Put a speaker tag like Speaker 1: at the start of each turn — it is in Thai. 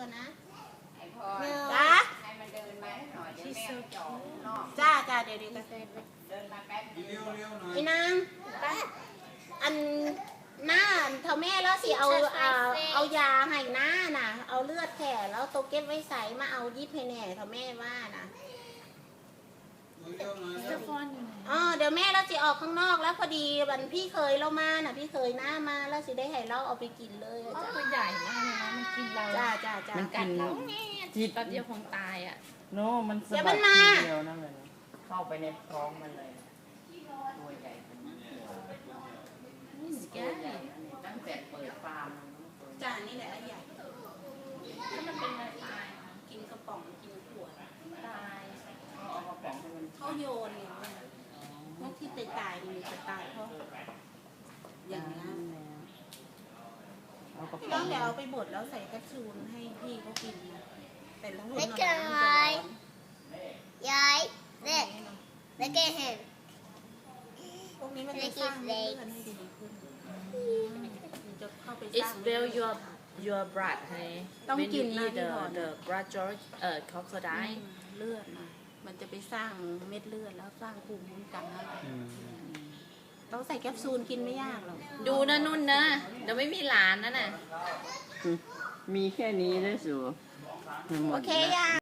Speaker 1: ก่อนนะ
Speaker 2: ไอ้พอ
Speaker 1: จ้า
Speaker 2: ให้มันเดินมาหน่อยเดี๋ยวแม่จอดนอก
Speaker 1: จ้าเดี๋ยวกัน
Speaker 2: เดินมาแป๊บเดียว
Speaker 1: อีนางอันหน้าเท่าแม่แล้วสิเอายาให้หน้าน่ะ เอาเลือดแผลแล้วตัวเก็บไว้ใส่มาเอายิบให้แน่เท่าแม่ว่าน่ะเดี๋ยวแม่เราสิออกข้างนอกแล้วพอดีวันพี่เคยเรามาน่ะพี่เคยหน้ามาแล้วสิได้ให้เราเอาไปกินเลยจ้ะ
Speaker 3: ตัวใหญ่มากเลยนะมันกินเรา
Speaker 1: จ้า
Speaker 3: มันกัดเราจีบแป๊บเดียวคงตายอ่ะ
Speaker 4: โน้มันสะ
Speaker 1: เดี๋ยว
Speaker 4: บั
Speaker 1: มั
Speaker 4: ด
Speaker 1: น
Speaker 4: ที
Speaker 1: มา
Speaker 4: เดียวนั่นเลยนะ
Speaker 2: เข้าไปในท้องมันเลยตัวใหญ่เป็นตัวใหญ่ตั้งแต่เปิดฟาร์ม
Speaker 1: จ้านี่แหละใหญ่
Speaker 3: ถ้ามันเป็นอะไรตาย
Speaker 1: กินกระป๋องกินขวด
Speaker 3: ตาย
Speaker 2: เอากระป๋องให้มัน
Speaker 1: เขาโยนเนี่ยพวกที่ตายมันจะตายเพราะอย่างนี้
Speaker 4: เอากระป๋
Speaker 1: ต้
Speaker 4: อ
Speaker 1: อง งเดี๋ยวเอาไปบดแล้วใส่แคปซูลให้พี่เขากินแต่ละคน
Speaker 5: ไม่เกินยายเด็กแล้วแกเห็น
Speaker 1: พวกนี้มันจะสร้างเลือดให้ดีขึ้นมันจะเข้าไปส
Speaker 3: It's
Speaker 1: ร้าง
Speaker 3: well your blood ให้
Speaker 1: ต้อง
Speaker 3: when
Speaker 1: กิ
Speaker 3: you
Speaker 1: นนะ
Speaker 3: eat
Speaker 1: พี่พร
Speaker 3: the blood George crocodile
Speaker 1: เลือดนะมันจะไปสร้างเม็ดเลือดแล้วสร้างภูมิคุ้มกันให้ต้องใส่แคปซูลกินไม่ยากหรอก
Speaker 3: ดูนะนุ่นนะเดี๋ยวไม่มีหลานนะน่ะ
Speaker 4: มีแค่นี้ได้สู
Speaker 1: โอเคยัง